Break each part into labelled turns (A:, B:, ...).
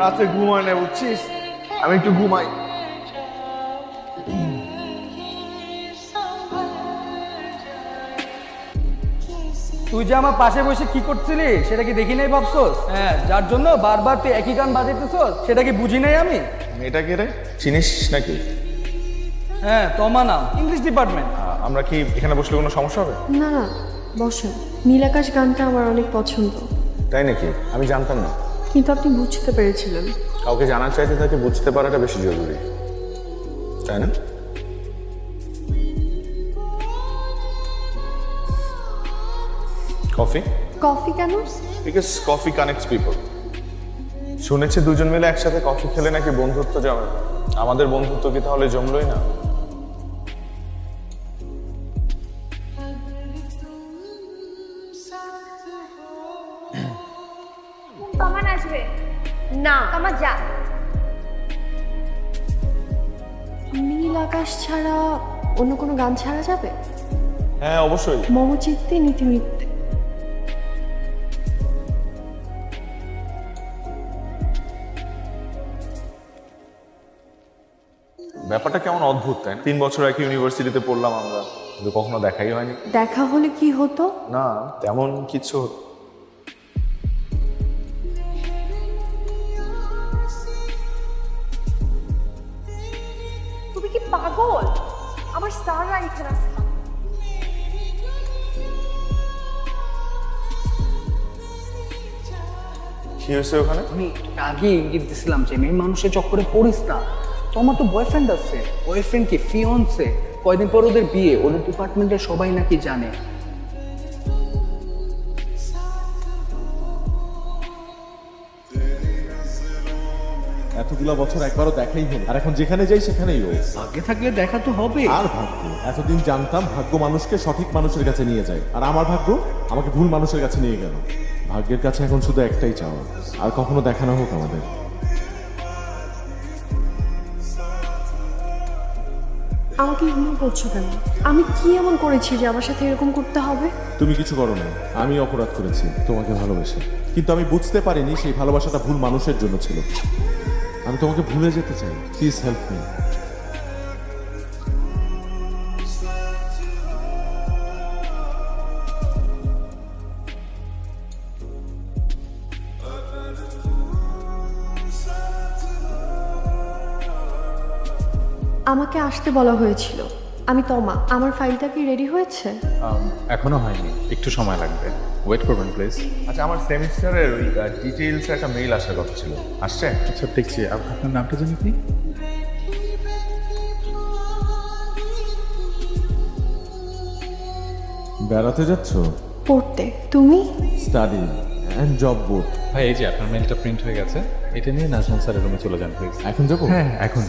A: রাতে ঘুমায় না বুঝছিস, আমি একটু ঘুমাই।
B: তুই যে আমার পাশে বসে কি করছিলি সেটা কি দেখি নাই ভাবছোস? হ্যাঁ, যার জন্য বারবার তুই একই গান বাজাইতেছোস সেটা কি বুঝি নাই আমি?
A: মেয়েটা কে রে, চিনিস নাকি?
B: হ্যাঁ, তোমা নাম, ইংলিশ ডিপার্টমেন্ট।
A: আমরা কি এখানে বসলে কোনো সমস্যা হবে?
C: না না, বসেন। নীলাকাশ গানটা আমার অনেক পছন্দ।
A: তাই নাকি? আমি জানতাম না।
C: কিন্তু আপনি বুঝতে পেরেছিলেন।
A: কাউকে জানার চাইতে তাকে বুঝতে পারাটা বেশি জরুরি, তাই না? কফি?
C: কফি কেন?
A: Because coffee connects people. শুনেছি দুজন মিলে একসাথে কফি খেলে নাকি বন্ধুত্ব জমে। আমাদের বন্ধুত্ব কি তাহলে জমলই না?
D: কমান আসবে না, কমা যা।
C: নীল আকাশ ছাড়া অন্য কোনো গান ছাড়া যাবে?
A: হ্যাঁ অবশ্যই।
C: মম চিত্তে নীতি মিথ্যে।
A: ব্যাপারটা কেমন অদ্ভুত, তাই না? 3 বছর একই ইউনিভার্সিটিতে পড়লাম আমরা, কিন্তু কখনো দেখাই হয়নি।
C: দেখা হলে কি হতো?
A: না, তেমন কিছু।
D: তুমি কি পাগল? আমার স্যাররা এখানে আছে।
A: কি হয়েছে ওখানে?
B: আমি আগে ইঙ্গিত দিছিলাম যে মেয়ে মানুষের চক্করে পড়িস না। তোমার তো বয়ফ্রেন্ড আছে। বয়ফ্রেন্ড কি ফিয়ন্সে? কয়দিন পর ওদের বিয়ে, ওদের ডিপার্টমেন্টের সবাই নাকি জানে।
E: এতগুলো বছর একবারও দেখাই হলো, আর এখন যেখানে যাই সেখানেই ও।
B: আগে থাকলে দেখা তো হবে।
E: আর ভাগ্য, এতদিন জানতাম ভাগ্য মানুষকে সঠিক মানুষের কাছে নিয়ে যায়, আর আমার ভাগ্য আমাকে ভুল মানুষের কাছে নিয়ে গেল। ভাগ্যের কাছে এখন শুধু একটাই চাওয়া, আর কখনো দেখা না হোক আমাদের।
C: আমাকে ইগনোর করছো কেন? আমি কি এমন করেছি যে আমার সাথে এরকম করতে হবে?
E: তুমি কিছু করো না, আমি অপরাধ করেছি তোমাকে ভালোবেসে, কিন্তু আমি বুঝতে পারিনি সেই ভালোবাসাটা ভুল মানুষের জন্য ছিল। আমি তোমাকে ভুলে যেতে চাই, প্লিজ হেল্প মি।
C: আমাকে আসতে বলা হয়েছিল। আমি তমা। আমার ফাইলটা কি রেডি হয়েছে?
F: এখনো হয়নি, একটু সময় লাগবে, ওয়েট করবেন প্লিজ।
A: আচ্ছা, আমার সেমিস্টারের ওই ডিটেইলস একটা মেইল আসার কথা ছিল, আসছে?
F: আচ্ছা দেখছি, আপনার নামটা জানি কি?
E: বেড়াতে যাচ্ছ?
C: পড়তে। তুমি?
E: Study and job board.
F: ভাই এই যে আপনার মেলটা প্রিন্ট হয়ে গেছে, এটা নিয়ে নাজমুল স্যারের রুমে চলে যান প্লিজ।
E: এখন যাবো?
F: হ্যাঁ এখন।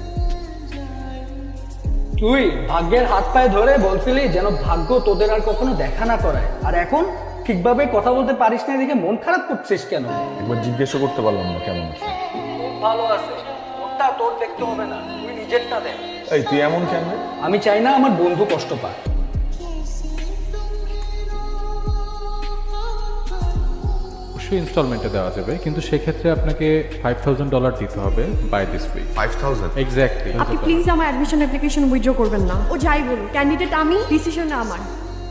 B: তুই ভাগ্যের হাত পায়ে ধরে বলছিলি যেন ভাগ্য তোদের আর কখনো দেখা না করায়, আর এখন ঠিকভাবে কথা বলতে পারিস না দেখে মন খারাপ করছিস কেন?
A: একবার জিজ্ঞেসও করতে পারলাম না কেমন আছে।
B: ভালো আছে, ওটা তোর দেখতে হবে না, তুই নিজেরটা দেখ।
A: এই তুই এমন কেন রে?
B: আমি চাই না আমার বন্ধু কষ্ট পায়।
F: অবশ্যই ইনস্টলমেন্টে দেওয়া যাবে, কিন্তু সেক্ষেত্রে আপনাকে $5,000 দিতে হবে বাই দিস উইক।
A: 5000?
F: এক্স্যাক্টলি।
C: আপনি প্লিজ আমার অ্যাডমিশন অ্যাপ্লিকেশন উইথড্র করবেন না। ও যাই বলুন, ক্যান্ডিডেট আমি, ডিসিশন আমার।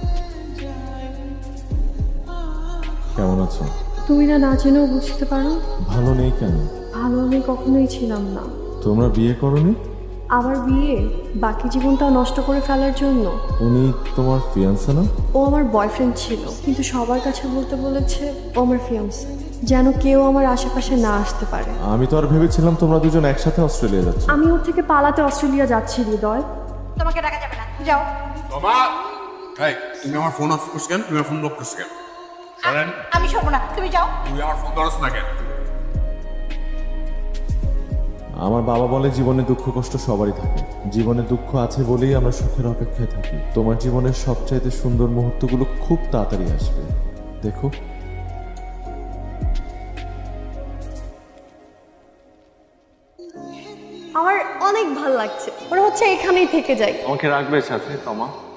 E: কেমন আছো?
C: তুমি না জেনেও বুঝতে পারো।
E: ভালো নেই কেন?
C: ভালো আমি কখনোই ছিলাম না।
E: তোমরা বিয়ে করনি?
C: আমার বিয়ে বাকি জীবনটাও নষ্ট করে ফেলার জন্য।
E: উনি তোমার ফিয়ান্সে না?
C: ও আমার বয়ফ্রেন্ড ছিল, কিন্তু সবার কাছে বলতে বলেছে ও আমার ফিয়ান্সে, যেন কেউ আমার আশেপাশে না আসতে পারে।
E: আমি তো আর ভেবেছিলাম তোমরা দুজন একসাথে অস্ট্রেলিয়া যাচ্ছ।
C: আমি ওর থেকে পালাতে অস্ট্রেলিয়া যাচ্ছি হৃদয়।
D: তোমাকে ডাকা যাবে না, যাও।
G: বাবা, এই তুমি আমার ফোন অফ করছ কেন? তুমি আমার ফোন লক করছ কেন? শোনেন,
D: আমি শোবো না, তুমি যাও।
G: তুমি আমার ফোন ধরছ না কেন?
E: আমার বাবা বলে জীবনে দুঃখ কষ্ট সবারই থাকে, জীবনে দুঃখ আছে বলেই আমরা সুখের অপেক্ষায় থাকি। তোমার জীবনের সবচাইতে সুন্দর মুহূর্তগুলো খুব তাড়াতাড়ি আসবে, দেখো।
C: আমার অনেক ভালো লাগছে, মনে হচ্ছে এখানেই থেকে যাই।
A: আমাকে রাখবে সাথে তমা?